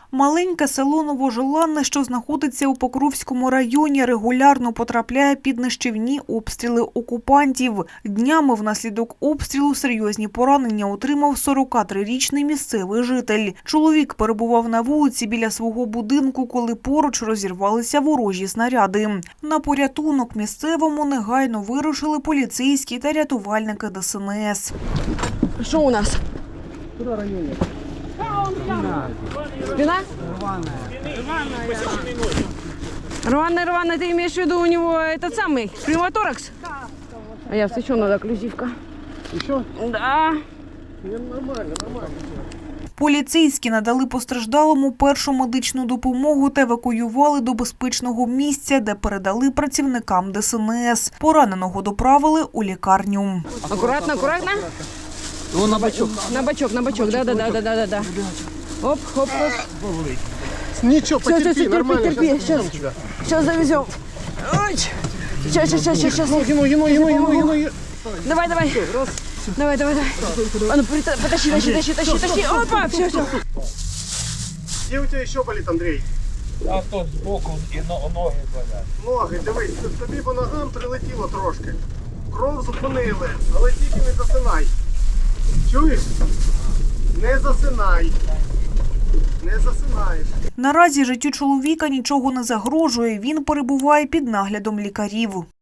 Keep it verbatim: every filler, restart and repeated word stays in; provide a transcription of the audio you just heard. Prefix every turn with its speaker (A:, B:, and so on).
A: Маленьке село Новожеланне, що знаходиться у Покровському районі, регулярно потрапляє під нищівні обстріли окупантів. Днями внаслідок обстрілу серйозні поранення отримав сорокатрирічний місцевий житель. Чоловік перебував на вулиці біля свого будинку, коли поруч розірвалися ворожі снаряди. На порятунок місцевому негайно вирушили поліцейські та рятувальники Де Ес Ен Ес.
B: Что у нас?
C: Куда ранение?
B: Спина?
C: Рваная.
B: Рваная, рваная, ты имеешь в виду у него этот самый, пневмоторакс? Да. А я все, что надо, окклюзивка.
C: Еще?
B: Да.
C: Нормально, нормально.
A: Поліцейські надали постраждалому першу медичну допомогу та евакуювали до безпечного місця, де передали працівникам Де Ес Ен Ес. Пораненого доправили у лікарню.
B: Аккуратно, аккуратно.
C: Ну, на бочок.
B: На бочок, на бочок, да, да, да, да, да, да. Оп, хоп, хоп.
C: Ничего,
B: Все,
C: потерпи,
B: все, все,
C: нормально.
B: терпи, терпи, сейчас, сейчас завезем. Ой, сейчас, сейчас, сейчас, сейчас.
C: Ему, ему, ему, ему, ему, ему.
B: Давай, давай. Давай, давай, давай. А ну, прита- потащи, тащи, тащи, тащи, тащи. Опа, все, все.
C: Где у тебя еще болит, Андрей?
D: А то збоку і но- ноги болять.
C: Ноги, дивись, тобі по ногам прилетіло трошки. Кров зупинили, але тільки не засинай. Чуєш? Не засинай. Не засинаєш.
A: Наразі життю чоловіка нічого не загрожує, він перебуває під наглядом лікарів.